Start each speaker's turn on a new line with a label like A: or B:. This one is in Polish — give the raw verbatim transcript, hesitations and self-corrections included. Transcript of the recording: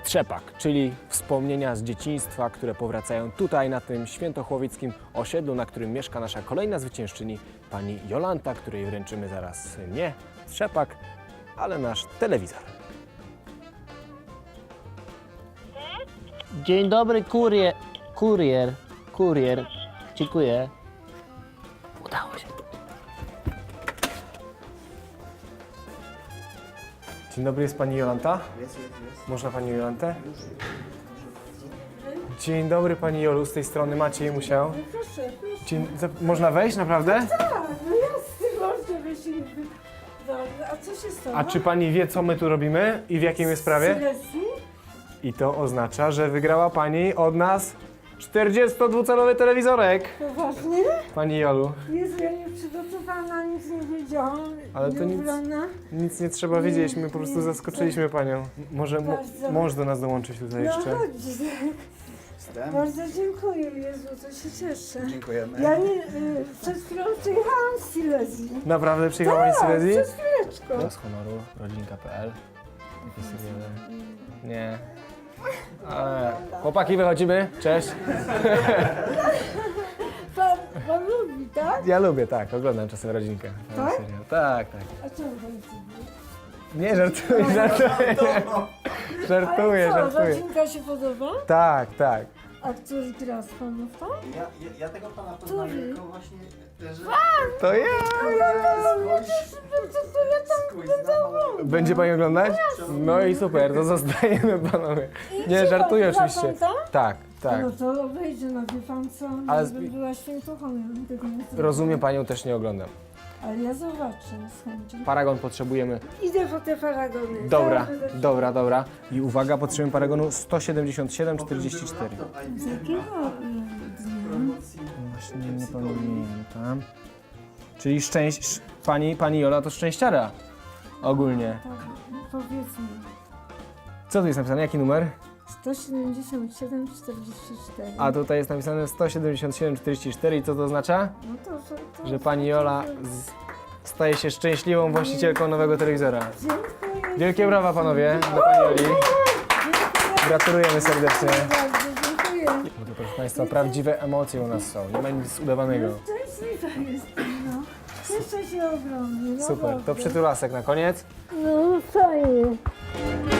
A: Trzepak, czyli wspomnienia z dzieciństwa, które powracają tutaj na tym świętochłowickim osiedlu, na którym mieszka nasza kolejna zwyciężczyni, pani Jolanta, której wręczymy zaraz nie trzepak, ale nasz telewizor.
B: Dzień dobry, kurier. Kurier. Kurier. Dziękuję. Udało się.
A: Dzień dobry, jest pani Jolanta?
C: Jest, jest, jest.
A: Można pani Jolantę? Dzień dobry pani Jolu, z tej strony Maciej Musiał.
D: Proszę, proszę.
A: Dzień, za, można wejść naprawdę?
D: Tak, no jasne, można wyjść i... A co się stało?
A: A czy pani wie, co my tu robimy i w jakiej jest sprawie?
D: Sylwestii?
A: I to oznacza, że wygrała pani od nas czterdziestodwucalowy telewizorek.
D: Poważnie?
A: Pani Jolu,
D: Jezu, ja nie przygotowana, nic nie wiedziałam.
A: Ale to nic-
D: Nieubrana.
A: nic nie trzeba wiedzieć, my po prostu zaskoczyliśmy panią. Może mo-
D: Bardzo.
A: mąż do nas dołączyć tutaj
D: No
A: jeszcze.
D: chodź,
C: Jestem.
D: bardzo dziękuję, Jezu, to się cieszę.
C: Dziękujemy.
D: Ja nie, y, przed chwilą przyjechałam z Silesii.
A: Naprawdę przyjechała pani z
D: Tak,
A: Silesii?
D: przed chwileczką.
A: Z honoru, rodzinka kropka p l. Takie seriale. Nie. Ale chłopaki, wychodzimy. Cześć.
D: Pan, pan lubi, tak?
A: Ja lubię, tak, oglądam czasem rodzinkę.
D: Tak?
A: Serial. Tak, tak.
D: A czemu pan lubi?
A: Nie, żartuję, żartuję. Żartuję,
D: Ale co,
A: żartuję.
D: rodzinka się podoba?
A: Tak, tak.
D: A który gra z panów tam?
C: Ja, ja, ja tego pana poznaję
D: Który?
C: jako właśnie, że...
A: To ja.
C: Skądś,
D: Co to ja tam
C: skądś znam.
A: Będzie pani oglądać? No i super, to zostajemy panowie. Nie, żartuję
D: Zna pan
A: oczywiście.
D: tam?
A: Tak, tak.
D: No to obejdzie, no wie pan co, no,
A: Ale
D: Ale
A: zbi-
D: była świętochą, ja bym tego nie zrobiła.
A: Rozumiem, panią też nie oglądam.
D: Ale ja zobaczę z chęcią.
A: Paragon potrzebujemy.
D: Idę po te paragony.
A: Dobra,
D: Zaraz będę-
A: dobra, dobra. I uwaga, potrzebujemy paragonu sto siedemdziesiąt siedem czterdzieści cztery.
D: Z jakiego y, dnia?
A: Właśnie nie pamiętam. Czyli szczęść... sz- Pani, pani Jola to szczęściara. Ogólnie.
D: Tak, no powiedzmy.
A: Co tu jest napisane? Jaki numer?
D: sto siedemdziesiąt siedem czterdzieści cztery.
A: A tutaj jest napisane sto siedemdziesiąt siedem czterdzieści cztery i co to oznacza?
D: No to, że, to,
A: Że pani Jola z... staje się szczęśliwą właścicielką nowego telewizora.
D: Dziękuję.
A: Wielkie brawa panowie dla pani Joli.
D: Dziękuję
A: Gratulujemy serdecznie.
D: bardzo, dziękuję.
A: Bo to, proszę państwa, prawdziwe emocje u nas są. Nie ma nic udawanego.
D: Szczęśliwa jestem, no. Cieszę się ogromnie. No
A: Super. To
D: naprawdę.
A: przytulasek na koniec.
D: No fajnie.